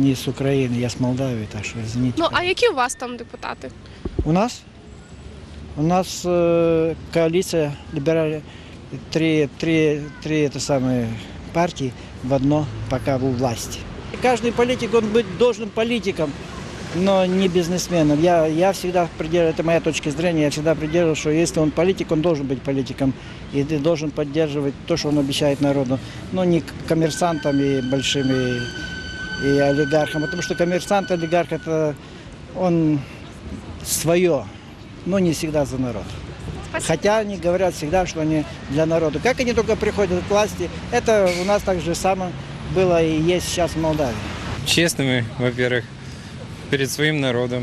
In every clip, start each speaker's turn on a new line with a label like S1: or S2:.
S1: не с Украины, я с Молдавии, так что извините.
S2: Ну, а які у вас там депутати?
S1: У нас? У нас коалиция либеральная, три это самые партии в одно, пока у власти. Каждый политик, он быть должен политиком, но не бизнесменом. Я всегда придерживаюсь, это моя точка зрения, я всегда придерживаюсь, что если он политик, он должен быть политиком. И ты должен поддерживать то, что он обещает народу. Но не коммерсантами большими и олигархам. Потому что коммерсант, олигарх, это он свое, но не всегда за народ. Хотя они говорят всегда, что они для народа. Как они только приходят к власти, это у нас так же самое было и есть сейчас в Молдавии.
S3: Честными, во-первых, перед своим народом.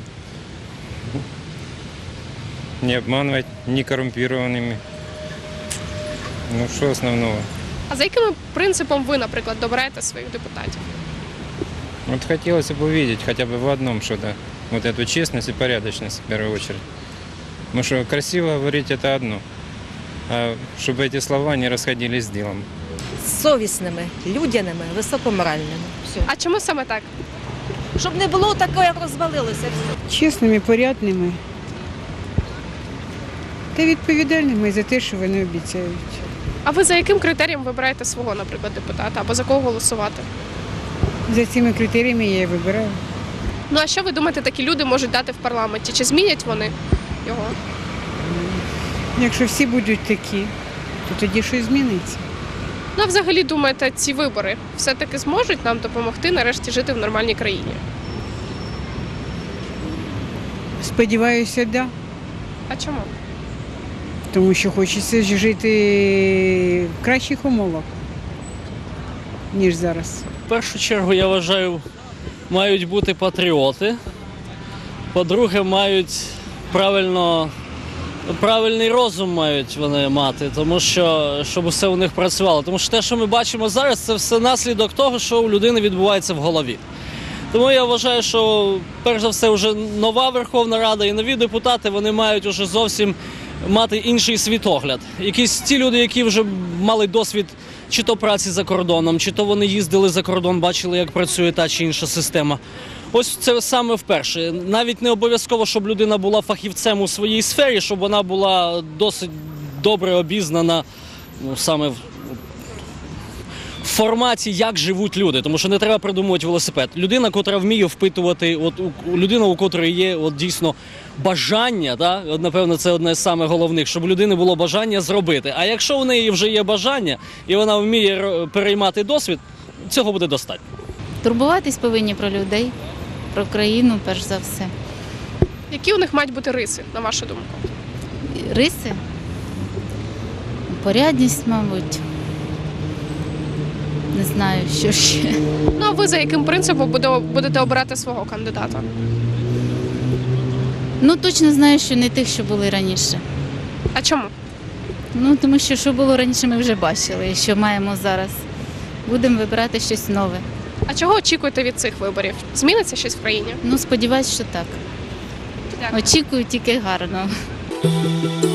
S3: Не обманывать, не коррумпированными. Ну, що основного?
S2: А за яким принципом ви, наприклад, добираєте своїх депутатів?
S3: Вот хотелось бы увидеть хотя бы в одном что-то. Вот эту честность и порядочность в первую очередь. Потому что красиво говорить это одно. А чтобы эти слова не расходились с делом.
S4: Совісними, людяними, високоморальними. Все.
S2: А чому саме так?
S4: Щоб не було такого, як розвалилося. Все.
S5: Чесними, порядними та відповідальними за те, що вони обіцяють.
S2: А ви за яким критерієм вибираєте свого, наприклад, депутата? Або за кого голосувати?
S5: За цими критеріями я і вибираю.
S2: Ну а що ви думаєте, такі люди можуть дати в парламенті? Чи змінять вони його?
S5: Якщо всі будуть такі, то тоді щось зміниться.
S2: Ну, а взагалі, думаєте, ці вибори все-таки зможуть нам допомогти нарешті жити в нормальній країні?
S5: Сподіваюся, так. Да.
S2: А чому?
S5: Тому що хочеться жити в кращих умовах, ніж зараз.
S6: В першу чергу, я вважаю, мають бути патріоти. По-друге, мають правильний розум мають вони мати, тому що, щоб все у них працювало. Тому що те, що ми бачимо зараз, це все наслідок того, що у людини відбувається в голові. Тому я вважаю, що перш за все вже нова Верховна Рада і нові депутати, вони мають уже зовсім мати інший світогляд. Якісь ті люди, які вже мали досвід чи то праці за кордоном, чи то вони їздили за кордон, бачили, як працює та чи інша система. Ось це саме вперше. Навіть не обов'язково, щоб людина була фахівцем у своїй сфері, щоб вона була досить добре обізнана саме в форматі, як живуть люди. Тому що не треба придумувати велосипед. Людина, котра вміє впитувати, людина, у котрої є дійсно бажання, напевно, це одне з самих головних, щоб у людини було бажання зробити. А якщо у неї вже є бажання, і вона вміє переймати досвід, цього буде достатньо.
S7: Турбуватись повинні про людей, про країну, перш за все.
S2: Які у них мають бути риси, на вашу думку?
S7: Риси, порядність, мабуть. Не знаю, що ще.
S2: Ну, а ви за яким принципом будете обирати свого кандидата?
S7: Ну, точно знаю, що не тих, що були раніше.
S2: А чому?
S7: Ну, тому що було раніше, ми вже бачили, і що маємо зараз. Будемо вибирати щось нове.
S2: А чого очікуєте від цих виборів? Зміниться щось в країні?
S7: Ну, сподіваюсь, що так.
S2: Дякую.
S7: Очікую тільки гарного.